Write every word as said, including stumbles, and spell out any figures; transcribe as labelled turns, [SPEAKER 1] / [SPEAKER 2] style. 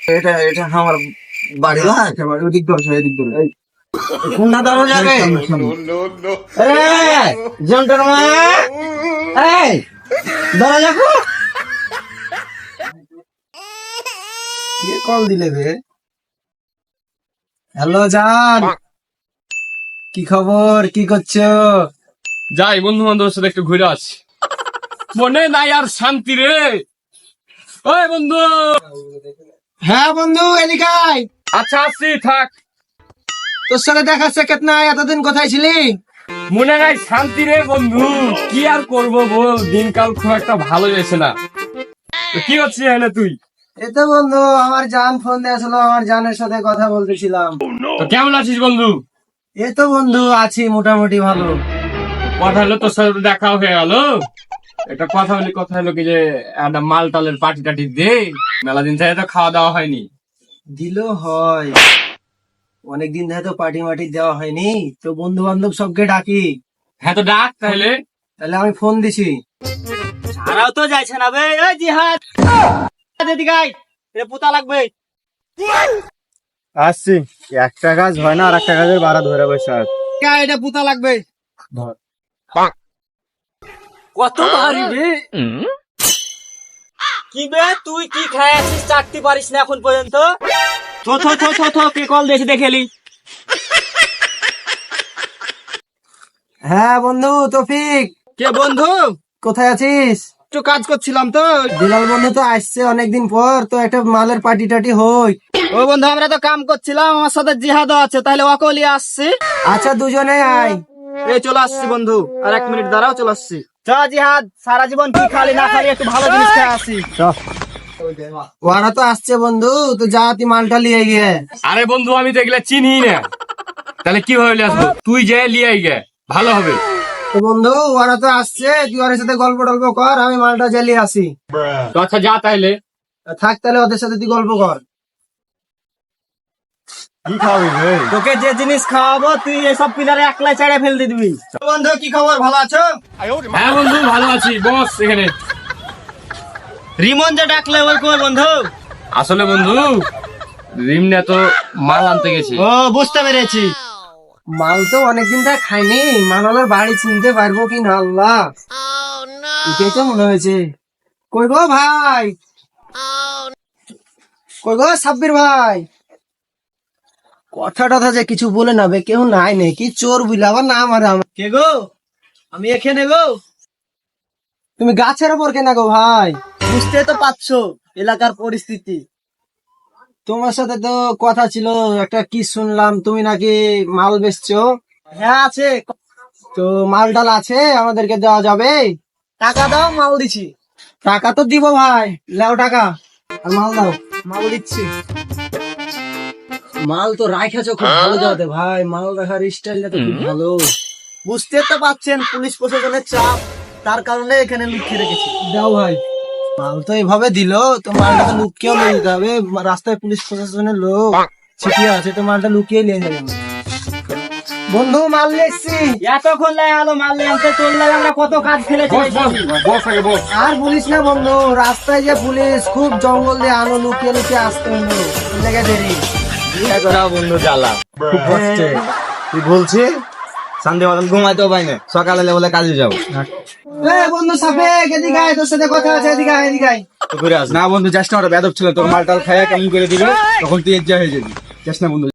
[SPEAKER 1] এটা এটা আমার বাড়ি না, একেবারে ওদিক ধরছে, এদিক ধরে কোনটা ধরো যাবে? জন্টার মা, এই ধরা যাবো। কে কল দিলে রে? হ্যালো জান, কি খবর, কি করছো?
[SPEAKER 2] যাই বন্ধু বান্ধবের সাথে একটু ঘুরে আসি, মনে নাই আর শান্তি রে। ওই বন্ধু।
[SPEAKER 1] হ্যাঁ বন্ধু, এদিকে আয়।
[SPEAKER 2] আচ্ছা আসছি, থাক।
[SPEAKER 1] তোর সাথে দেখা সাক্ষাৎ নাই, এতদিন কোথায় ছিলি?
[SPEAKER 2] মনে নাই শান্তি রে বন্ধু, কি আর করবো বল, দিনকাল খুব একটা ভালো যাচ্ছে না। তো কি হচ্ছে এখানে তুই?
[SPEAKER 1] এই তো বন্ধু, আমার জান ফোন দিয়েছিল, আমার জানের সাথে কথা বলতেছিলাম।
[SPEAKER 2] তো কেমন আছিস বন্ধু?
[SPEAKER 1] এই তো বন্ধু আছি মোটামুটি ভালো।
[SPEAKER 2] কথা হলো তোর সাথে দেখা হয়ে গেল, একটা কথা বলি। কথা হলো কি যে একটা মাল টালের পার্টি টাটি দে, মেলা দিন থেকে তো খাওয়া দাওয়া হয়নি।
[SPEAKER 1] দিল হয়, অনেকদিন ধরে তো পার্টি মাটি দেওয়া হয়নি, তো বন্ধু বান্ধব সবকে ডাকি।
[SPEAKER 2] হ্যাঁ তো ডাক তাহলে।
[SPEAKER 1] তাহলে আমি ফোন দিছি।
[SPEAKER 3] সারাও তো যাইছে না বে, এই জিহাদ এদিকে আয়, এ পুতা লাগবে।
[SPEAKER 1] আসছি, একটা কাজ হয় না আর একটা কাজের বাড়া ধরে বসে আছে।
[SPEAKER 3] কা এটা পুতা লাগবে।
[SPEAKER 1] ধর।
[SPEAKER 3] কত ভারী বে। কি বে, তুই কি খাই আছিস, চাটতে পারিস না এখন পর্যন্ত? থো থো থো থো থো, কে কল দিয়েছে দেখেলি?
[SPEAKER 1] হ্যাঁ বন্ধু তৌফিক,
[SPEAKER 3] কে বন্ধু?
[SPEAKER 1] কোথায় আছিস?
[SPEAKER 3] একটু কাজ করছিলাম তো।
[SPEAKER 1] বিলাল বন্ধু তো আসছে অনেকদিন পর, তো একটা মালের পার্টি টাটি হই।
[SPEAKER 3] ও বন্ধু, আমরা তো কাম করছিলাম, আমার সাথে জিহাদও আছে, তাহলে ওকে লিয়ে আসছি।
[SPEAKER 1] আচ্ছা দুজনে আয়।
[SPEAKER 3] এই চলে আসছি বন্ধু, আর এক মিনিট দাঁড়াও, চলে আসছি। চ জিহাদ, সারা জীবন কি খালি না খালি একটু ভালো জিনিস খেয়ে আসি।
[SPEAKER 1] ওরা তো আসছে বন্ধু, তো যা তুই মালটা লিয়ে গিয়ে।
[SPEAKER 2] আরে বন্ধু, আমি তো এগুলা চিনি না, তাহলে কি ভাবে আসবো? তুই যে লিয়ে গে, ভালো হবে।
[SPEAKER 1] তো বন্ধু ওরা তো আসছে, তুই ওর সাথে গল্প টল্প কর, আমি মালটা জ্বালিয়ে আসি।
[SPEAKER 2] তো আচ্ছা যা তাইলে।
[SPEAKER 1] থাক তাহলে ওদের সাথে তুই গল্প কর। কি খাবি রে?
[SPEAKER 3] তোকে যে জিনিস খাওয়াবো তুই এসব পিলারে একলাই চাড়ে ফেল দিয়ে দিবি।
[SPEAKER 1] বন্ধু কি খবর, ভালো আছো?
[SPEAKER 2] হ্যাঁ বন্ধু ভালো আছি, বস এখানে।
[SPEAKER 3] রিমন যে ডাকলে ওই কই বন্ধু?
[SPEAKER 2] আসলে বন্ধু রিমনা তো মাল আনতে গেছি।
[SPEAKER 3] ও বুঝতে পেরেছি।
[SPEAKER 1] মাল তো অনেকদিন ধরে খাইনি, মালালার বাড়ি চিনতে পারবো কি না আল্লাহ, এটাই তো মনে হয়েছে। কই গো ভাই, কই গো সাব্বির ভাই, কথা টথা যে কিছু বলে না বে, কেউ নাই নাকি? চোর বুঝলে আবার না আমার।
[SPEAKER 3] কে গো? আমি এখানে গো।
[SPEAKER 1] তুমি গাছের ওপর কেনা গো ভাই?
[SPEAKER 3] বুঝতে তো পারছো এলাকার পরিস্থিতি।
[SPEAKER 1] তোমার সাথে তো কথা ছিল একটা, কি শুনলাম তুমি নাকি মাল বেচছো?
[SPEAKER 3] হ্যাঁ আছে।
[SPEAKER 1] তো মাল ডাল আছে, আমাদেরকে দেওয়া যাবে?
[SPEAKER 3] টাকা দাও, মাল দিছি।
[SPEAKER 1] টাকা তো দিব ভাই, লেও টাকা আর মাল দাও।
[SPEAKER 3] মাল দিচ্ছি।
[SPEAKER 1] মাল তো রাখাছো খুব ভালো যাতে ভাই, মাল রাখার স্টাইলটা তো খুব ভালো।
[SPEAKER 3] বুঝতে তো পারছেন পুলিশ প্রশাসনের চাপ, তার কারণে এখানে লুকিয়ে রেখেছি।
[SPEAKER 1] দাও ভাই। মাল তো এইভাবে দিল, তো মালটা তো লুকিয়েও নিয়ে যেতে হবে, রাস্তায় পুলিশ প্রশাসনের লোক ছিটিয়ে আছে, তো মালটা লুকিয়ে নিয়ে যাবে। বন্ধু মাল নিয়ে এসছি।
[SPEAKER 3] এতক্ষণ লাই আলো মাল নিয়ে আনতে চললে আমরা কত কাজ ফেলেছি।
[SPEAKER 2] বস বস বস আগে বস।
[SPEAKER 1] আর বলিস না বন্ধু, রাস্তায় যে পুলিশ, খুব জঙ্গল দিয়ে আনো লুকিয়ে লুকিয়ে আসতে হলো, লেগে দেরি।
[SPEAKER 3] বন্ধু জ্বালা
[SPEAKER 1] খুব কষ্টে।
[SPEAKER 4] তুই বলছি শান্তি মতন ঘুমাইতেও পাই না, সকালে বলে কাজে যাবো।
[SPEAKER 1] এ বন্ধু সাফেক, এদিকে আয়, তোর সাথে কথা আছে, এদিকে আয়, এদিকে আয়।
[SPEAKER 4] না বন্ধু যাস না, ওটা বেদব ছিল, তোর মালটাল খাইয়া কেমন করে দিবে, তখন তুই এজ্জা হয়ে যাবি। যাস না বন্ধু।